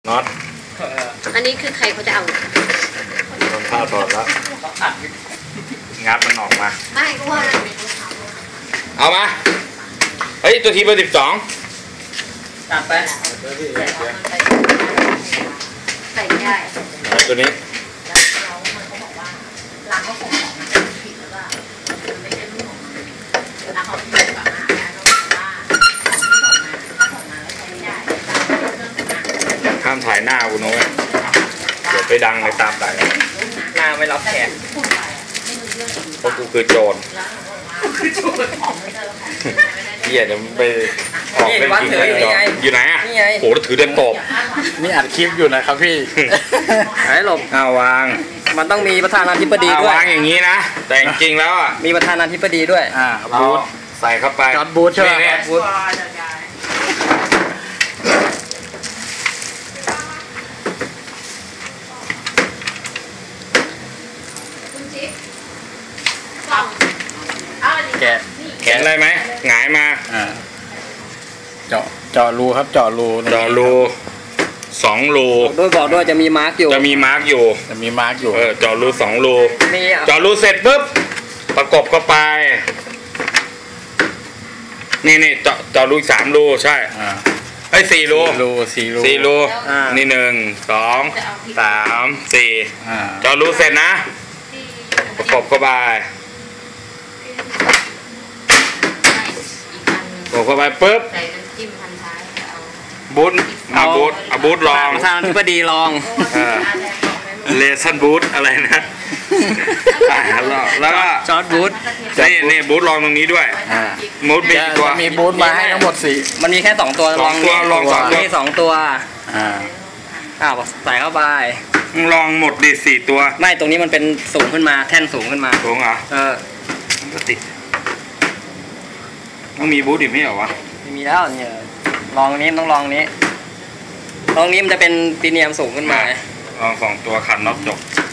น็อตอันนี้คือใครเขาจะเอาทำท่าถอดแล้วงัดมันออกมาไม่ก็ว่าเอามาเฮ้ยตัวทีเบอร์12 ตัดไปใส่ได้ตัวนี้แล้วมันก็บอกว่าร้านก็ส่งของมาผิดแล้วก็ไม่ใช่รุ่นของมันแล้วเขาพิมพ์กลับมาแล้วก็บอกว่าของที่ส่งมาถ้าส่งมาแล้วใช้ไม่ได้ห้ามถ่ายหน้าคุณน้องเดี๋ยวไปดังในตามสายหน้าไม่รับแขกเพราะกูคือโจรเหี้ยเดี๋ยวไปออกเป็นจริงอยู่ไหนอ่ะโหถือเดินตบนี่อัดคลิปอยู่นะครับพี่หายหลบวางมันต้องมีประธานาธิบดีด้วยวางอย่างนี้นะแต่จริงแล้วอ่ะมีประธานาธิบดีด้วยบูทใส่เข้าไปจอดบูทใช่ไหมบูทแกะอะไรไหมหงายมาเจาะรูครับเจาะรู 2 รูด้วยบอกด้วยจะมีมาร์กอยู่จะมีมาร์กอยู่เจาะรู2 รูเจาะรูเสร็จปุ๊บประกบเข้าไปนี่เจาะรู3 รูใช่4 รูนี่1 2 3 4เจาะรูเสร็จนะประกบเข้าไปเข้าไปปุ๊บบูทบูทลองประธานาธิบดีลองเลสันบูทอะไรนะแล้วก็จอร์ดบูทนี่บูทลองตรงนี้ด้วยบูทมีตัวมีบูทมาให้ทั้งหมด4 มันมีแค่2 ตัวลองมี2 ตัวใส่เข้าไปลองหมดดิ4 ตัวไม่ตรงนี้มันเป็นสูงขึ้นมาแท่นสูงขึ้นมาสูงเหรอติดต้องมีบูทอีกไม่เหรอวะไม่มีแล้วเนี่ยลองนี้ต้องลองนี้มันจะเป็นปีเนียมสูงขึ้นมาลอง2 ตัวขันน็อตจบ